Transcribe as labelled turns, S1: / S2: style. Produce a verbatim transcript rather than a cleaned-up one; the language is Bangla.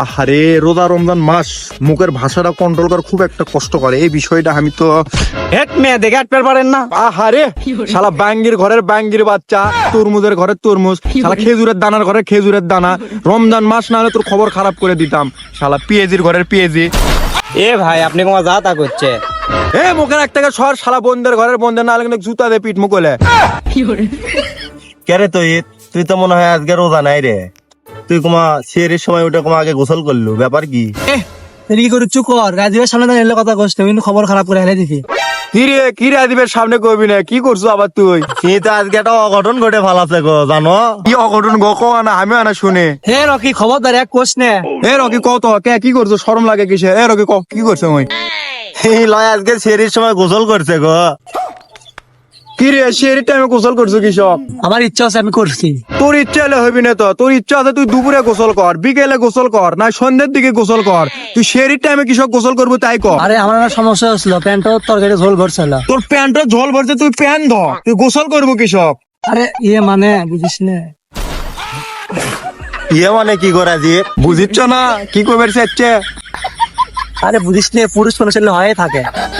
S1: আহারে রোজা রমজান মাস মুখের ভাষাটা কন্ট্রোল করা খুব একটা কষ্ট করে এই বিষয়টা আমি তো
S2: হেট মেয়ে দেখে আটপের পারেন না।
S1: আহারে শালা বাঙ্গির ঘরের বাঙ্গির বাচ্চা, তরমুজের ঘরের তরমুজ, শালা খেজুরের দানার ঘরে খেজুরের দানা। রমজান মাস না হলে তোর খবর খারাপ করে দিতাম। শালা পিএজির ঘরের পিএজি।
S2: এ ভাই আপনি কোমা যা তা করছে।
S1: এ মুখের এক টাকা সর, শালা বন্ধের ঘরের বন্ধের না হলে কিন্তু জুতা দে পিঠ মুখলে।
S3: কেরে তুই তুই তো মনে হয় আজকে রোজা নাই রে। তুই কুমা সেরের সময় ওটা কুমা আগে গোসল করলু, ব্যাপার কি?
S4: কি করছু কর, রাজীবের সামনে তো এলে কথা কষ্ট, কিন্তু খবর খারাপ করে হেলে দিছি।
S1: কি রে কি রে আদিবের সামনে কবি না কি করছো আবার তুই?
S3: তুই তো আজকে একটা অঘটন ঘটে ফালাছে গো, জানো?
S1: কি অঘটন গো কো না আমি আনা শুনে।
S4: হে রকি খবরদার এক কোশ নে।
S1: এ রকি কত কে কি করছো, শরম লাগে কিসে? এ রকি ক কি করছো? ওই
S3: এই লয় আজকে সেরের সময় গোসল করছে গো।
S1: কি রে সেরি টাইমে গোসল করছো কৃষক?
S4: আমার ইচ্ছা আছে আমি করছি।
S1: তোর ইচ্ছা হলে হবি না তো, তোর ইচ্ছা আছে তুই দুপুরে গোসল কর, বিকেলে গোসল কর, না সন্ধ্যের দিকে গোসল কর। তুই সেরির টাইমে কৃষক গোসল করবো তাই কর।
S4: আরে আমার একটা সমস্যা হচ্ছিল, প্যান্টটা তরকারি ঝোল ভরছিল।
S1: তোর প্যান্টের ঝোল ভরছে, তুই প্যান্ট ধ, তুই গোসল করবো কৃষক।
S4: আরে ইয়ে মানে বুঝিস না।
S3: ইয়ে মানে কি করে আজি?
S1: বুঝিচ্ছ না কি করবে চাচ্ছে?
S4: আরে বুঝিস না, পুরুষ মানুষের হয়ে থাকে।